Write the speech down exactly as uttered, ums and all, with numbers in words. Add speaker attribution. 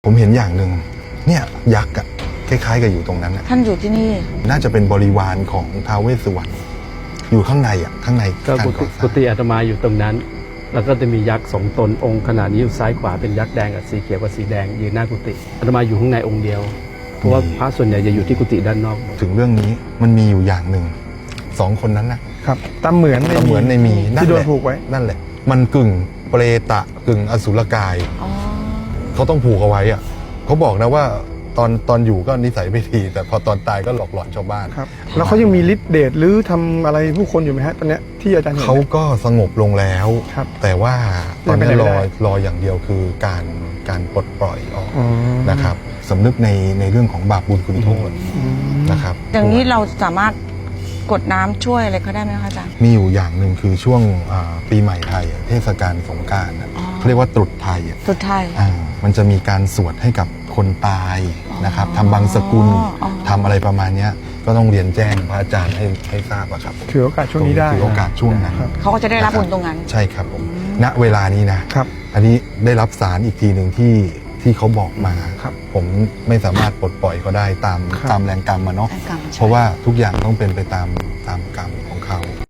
Speaker 1: ผมเห็นอย่างหนึ่งเนี่ยยักษ์อะคล้ายๆกับอยู่ตรงนั้นนะ
Speaker 2: ท่านอยู่ที่นี่
Speaker 1: น่าจะเป็นบริวารของท้าวเวสสุวรรณอยู่ข้างในอ่ะข้างใน
Speaker 3: ก็
Speaker 1: การ
Speaker 3: กุ
Speaker 1: ก่
Speaker 3: ฏิ
Speaker 1: อสร้า
Speaker 3: กุ
Speaker 1: ง
Speaker 3: ฏิอาตมาอยู่ตรงนั้น แล้วก็จะมียักษ์สองตนองค์ขนาดนี้อยู่ซ้ายขวาเป็นยักษ์แดงกับสีเขียวกับสีแดงยืนหน้ากุฏิอาตมาอยู่ข้างในองค์เดียวเพราะว่าพระส่วนใหญ่จะอยู่ที่กุฏิด้านนอก
Speaker 1: ถึงเรื่องนี้มันมีอยู่อย่างหนึ่งสองคนนั้นนะครับ
Speaker 4: ตามเหมือน
Speaker 1: ก็เหมือนในมี
Speaker 4: ที่โด
Speaker 1: แห
Speaker 4: น
Speaker 1: ละ
Speaker 4: ผูกไว้
Speaker 1: นั่นแหละ มันกึ่งเปรตะกึ่งอสุรกาย
Speaker 2: อ๋อ
Speaker 1: เขาต้องผูกเอาไว้อ่ะเขาบอกนะว่าตอนตอนอยู่ก็นิสัยไม่ดีแต่พอตอนตายก็หลอกหลอนชาวบ้าน
Speaker 4: ครับแล้วเขายังมีฤทธิ์เดชหรือทำอะไรผู้คนอยู่ไหมฮะตอนเนี้ยที่อาจารย์เห็น
Speaker 1: เขาก็สงบลงแล้ว
Speaker 4: ครับ
Speaker 1: แต่ว่าตอนนี้
Speaker 4: ยังไปไหนไม่
Speaker 1: รอ
Speaker 4: ได้
Speaker 1: รออย่างเดียวคือการการปลดปล่อยออก
Speaker 4: อ๋อ
Speaker 1: นะครับสำนึกในในเรื่องของบาปบุญคุณโทษ
Speaker 4: อืม
Speaker 1: นะครับ
Speaker 2: อย่างนี้เราสามารถกดน้ำช่วยอะไรเขาได้ไหมคะอาจารย์
Speaker 1: มีอยู่อย่างหนึ่งคือช่วงอ่าปีใหม่ไทยอะเทศกาลสงกรานต์อะ
Speaker 2: อ๋อ
Speaker 1: เขาเรียกว่าตรุษไทยอะ
Speaker 2: สุดท้าย
Speaker 1: อ่ามันจะมีการสวดให้กับคนตายนะครับทำบังสกุล
Speaker 2: อ๋อ
Speaker 1: ทำอะไรประมาณเนี้ยก็ต้องเรียนแจ้งพระอาจารย์ให้ให้ทราบอะครับ
Speaker 4: ถือโอกาสช่วงนี้ได้
Speaker 1: ถือโอกาสช่วงนั้น
Speaker 4: ครับ
Speaker 2: เขาก็จะได้รับบุญตรงนั้น
Speaker 1: ใช่ครับผมณเวลานี้นะครับ อันนี้ได้รับสารอีกทีหนึ่งที่ที่เขาบอกมา
Speaker 4: ครับ
Speaker 1: ผมไม่สามารถปลดปล่อยเขาได้ตาม
Speaker 4: ครับ
Speaker 1: ตามแรงกรรมมาเนาะ
Speaker 2: แรงกรรมใช่
Speaker 1: เพราะว่าทุกอย่างต้องเป็นไปตามตามกรรมของเขา